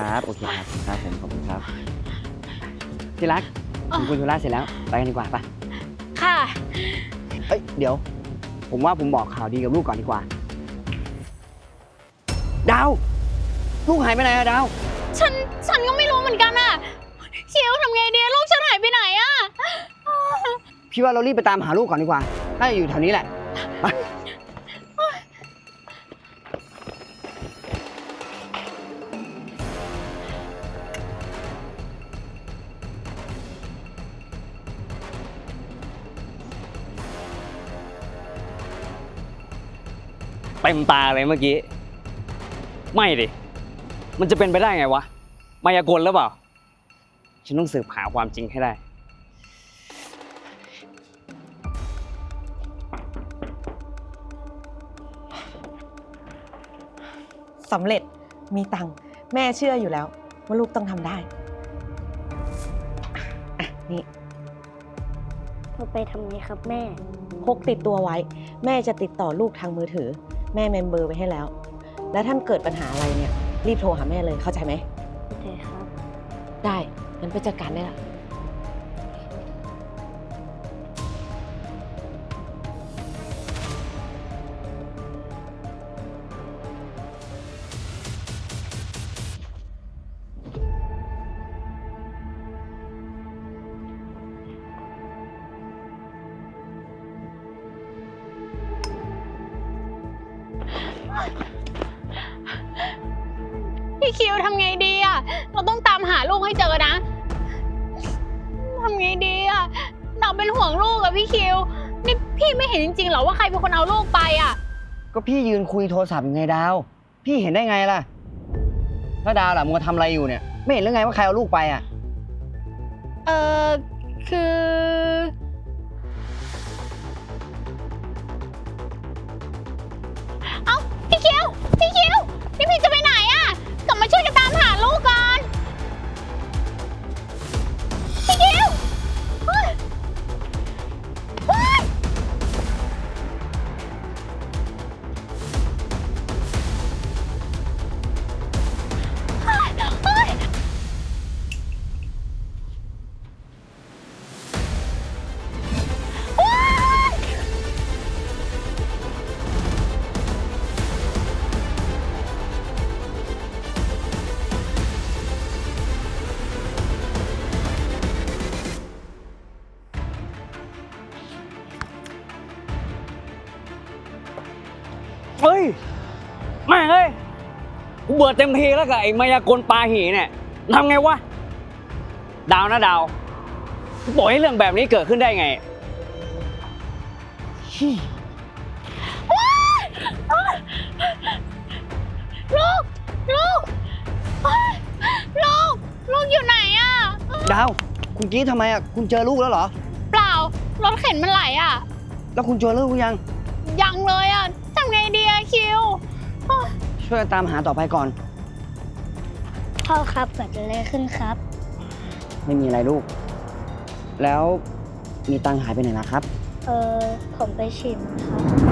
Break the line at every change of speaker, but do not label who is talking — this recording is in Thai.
ครับโอเคครับครับผมขอบคุณครับที่รักคุณธุระเสร็จแล้วไปกันดีกว่าปะ
ค่ะ
เอ้ยเดี๋ยว ผมว่าผมบอกข่าวดีกับลูกก่อนดีกว่า ดาว ลูกหายไปไหนอะดาว
ฉันก็ไม่รู้เหมือนกันอะคิวทำไงดีลูกฉันหายไปไหนอะ
พี่ว่าเรารีบไปตามหาลูกก่อนดีกว่าน่าจะอยู่แถวนี้แหละไปเต็มตาเลยเมื่อกี้ ไม่ดิ มันจะเป็นไปได้ไงวะ มายากลหรือเปล่า ฉันต้องสืบหาความจริงให้ได้
สำเร็จมีตังค์แม่เชื่ออยู่แล้วว่าลูกต้องทำได้อ่ะนี่
เราไปทำไงครับแม่
พกติดตัวไว้ แม่จะติดต่อลูกทางมือถือ แม่เมมเบอร์ไว้ให้แล้ว แล้วท่านเกิดปัญหาอะไรเนี่ยรีบโทรหาแม่เลยเข้าใจไหม
โอเคครับ
ได้งั้นไปจัดการได้ละ
พี่คิวทำไงดีอะเราต้องตามหาลูกให้เจอนะทำไงดีอะเราเป็นห่วงลูกอะพี่คิวนี่พี่ไม่เห็นจริงๆหรอว่าใครเป็นคนเอาลูกไปอะ
ก็พี่ยืนคุยโทรศัพท์ยังไงดาว พี่เห็นได้ไงล่ะแล้วดาวล่ะมึงทำอะไรอยู่เนี่ย ไม่เห็นหรือไงว่าใครเอาลูกไปอ่ะ
เออคือเอ้าพี่คิวนี่พี่จะไปไหนอะกลับมาช่วยกันตามหาลูกก่อนพี่คิวเฮ้ยเฮ้ยเฮ้ยเฮ้ย
เฮ้ยแม่งเอ้ยกูเบื่อเต็มทีแล้วกับไอ้มายากลปาหีเนี่ยทำไงวะ ดาวนะดาวกูปล่อยให้เรื่องแบบนี้เกิดขึ้นได้ไง
ลูกเฮ้ยลูกอยู่ไหนอะ
ดาว คุณกรี๊ดทำไมอ่ะ คุณเจอลูกแล้วเหรอ
เปล่ารถเข็นมันไหลอะ
แล้วคุณเจอลูกหรือยัง
ยังเลยอะทำไงดีอะคิว
ช่วยตามหาต่อไปก่อน
พ่อครับเกิดอะไรขึ้นครับ
ไม่มีอะไรลูก แล้วมีตังค์หายไปไหนล่ะครับ
ผมไปฉีดมาครับ